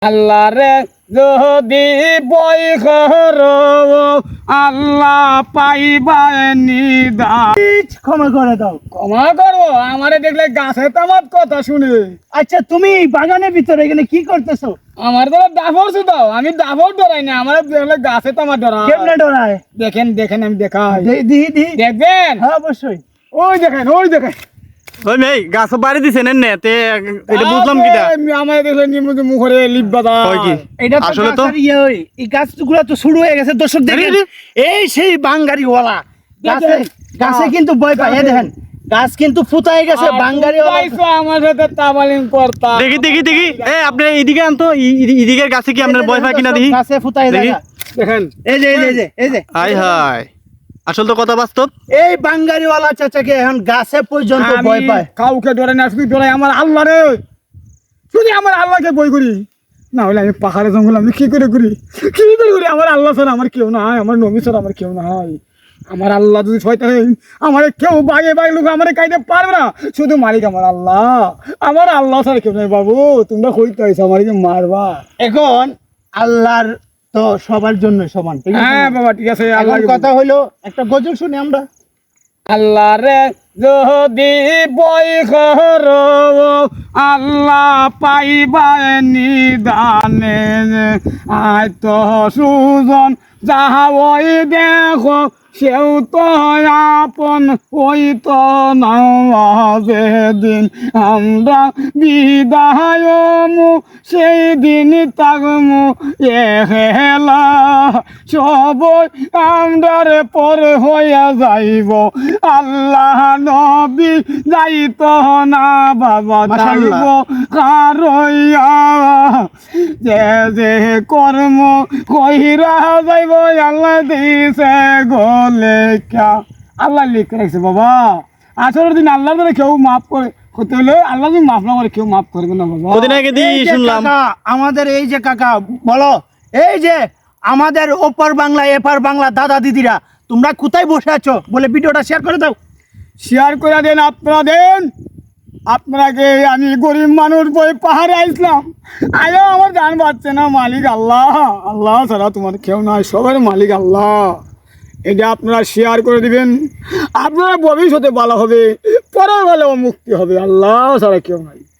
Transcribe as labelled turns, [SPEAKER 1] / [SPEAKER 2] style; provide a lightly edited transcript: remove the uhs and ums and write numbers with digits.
[SPEAKER 1] আল্লাহ রে যদি বই করো আল্লাহ পাইবাই নিদান।
[SPEAKER 2] ক্ষমা করে দাও।
[SPEAKER 1] ক্ষমা করো আমারে দেখলে গাছে তামার কথা শুনে।
[SPEAKER 2] আচ্ছা তুমি বাগানের ভিতরে এখানে কি করতেছো?
[SPEAKER 1] আমার তো ডাফর দাও, আমি ডাফর ডরাই না, আমার দেখলে গাছে তামার ডরাই।
[SPEAKER 2] কেমনে ডরায়?
[SPEAKER 1] দেখেন দেখেন আমি দেখাই,
[SPEAKER 2] দিহি
[SPEAKER 1] দেখবেন?
[SPEAKER 2] হ্যাঁ অবশ্যই।
[SPEAKER 1] ওই দেখেন ওই দেখেন
[SPEAKER 3] ওই মেয়ে গাছ বাড়ি দিছেন এনে তে এটা বুঝলাম কিটা
[SPEAKER 1] আমার দেখলে নিমুতে মুখরে লিপবাদা
[SPEAKER 3] হয় কি
[SPEAKER 2] এটা তো
[SPEAKER 3] আসলে তো
[SPEAKER 2] গাছের ইয়ে ওই এই গাছগুলো তো শুরু হয়ে গেছে দর্শক দেখেন। এই সেই বাঙ্গারিওয়ালা গাছে গাছে কিন্তু ভয় পায়। এই দেখেন গাছ কিন্তু ফুটাই গেছে বাঙ্গারিওয়ালা।
[SPEAKER 1] আমার সাথে তাবালিং করতা।
[SPEAKER 3] দেখি দেখি দেখি এ আপনি এইদিকে আনতো এইদিকের গাছে কি আপনার ভয় পায় কিনা দেখি
[SPEAKER 2] গাছে ফুটাই
[SPEAKER 3] দেখি।
[SPEAKER 2] যায়।
[SPEAKER 1] দেখেন
[SPEAKER 2] এই যে এই যে এই যে
[SPEAKER 3] হাই হাই আসল তো কথা বাস্তব।
[SPEAKER 2] এই বাঙ্গারিওয়ালা চাচাকে এখন গাছে পর্যন্ত ভয় পায়।
[SPEAKER 1] কাউকে ডরে না, শুধু ডরে আমার আল্লাহ রে। শুধু আমার আল্লাহকে বই করি, না হলে আমি পাহাড়ে জঙ্গল আমি কি করে করি, কি করে করি? আমার আল্লাহ ছাড়া আমার কেউ নাই, আমার নবী ছাড়া আমার কেউ নাই। আমার আল্লাহ যদি শয়তান আমার কেউ বাগে বাগে লোক আমার কাইতে পারবে না, শুধু মালিক আমার আল্লাহ। আমার আল্লাহ ছাড়া কেউ নাই। বাবু তোমরা কইতে হয়েছো আমার মারবা।
[SPEAKER 2] এখন আল্লাহর তো সবার জন্য সমান, ঠিক আছে?
[SPEAKER 1] হ্যাঁ বাবা ঠিক আছে।
[SPEAKER 2] আল্লাহর
[SPEAKER 1] আল্লাহ
[SPEAKER 2] কথা হইলো একটা গজল শুনি আমরা।
[SPEAKER 1] আল্লাহ রে যদি বই করো আল্লাহ পাইবাই নিদানে। আয় তো সুজন যাহা ওই দেখো সেও তো আপন ওই তো নামাজে দিন আমরা বিদায় মু সেই দিন তাগমু এহেলা সবই আমরারে পরে হইয়া যাইব। আল্লাহ নবী যাইত না বাবা যাইব কারইয়া যে যে কর্ম কইরা যাইব আল্লাহ দিছে গলে কা। আল্লাহ লিখে রাখছে বাবা। আসলে দিন আল্লাহ ধরে কেউ মাফ করে হতে হলে আল্লাহ যদি মাফ না করে কেউ মাফ করবে না বাবা।
[SPEAKER 3] কদিন আগে দি
[SPEAKER 2] এই যে
[SPEAKER 3] শুনলাম
[SPEAKER 2] কাকা, আমাদের এই যে কাকা বলো, এই যে আমাদের ওপার বাংলা এপার বাংলা দাদা দিদিরা তোমরা কোথায় বসে আছো বলে ভিডিওটা শেয়ার করে দাও।
[SPEAKER 1] শেয়ার করে দেন, আপনারা দেন। আপনাকে আমি গরিব মানুষ বই পাহাড়ে আসলাম, আয়ো আমার জান পাচ্ছে না। মালিক আল্লাহ, আল্লাহ ছাড়া তোমার কেউ নাই, সবার মালিক আল্লাহ। এটা আপনারা শেয়ার করে দিবেন, আপনারা ভবিষ্যতে ভালো হবে, পরে ভালো মুক্তি হবে। আল্লাহ ছাড়া কেউ নাই।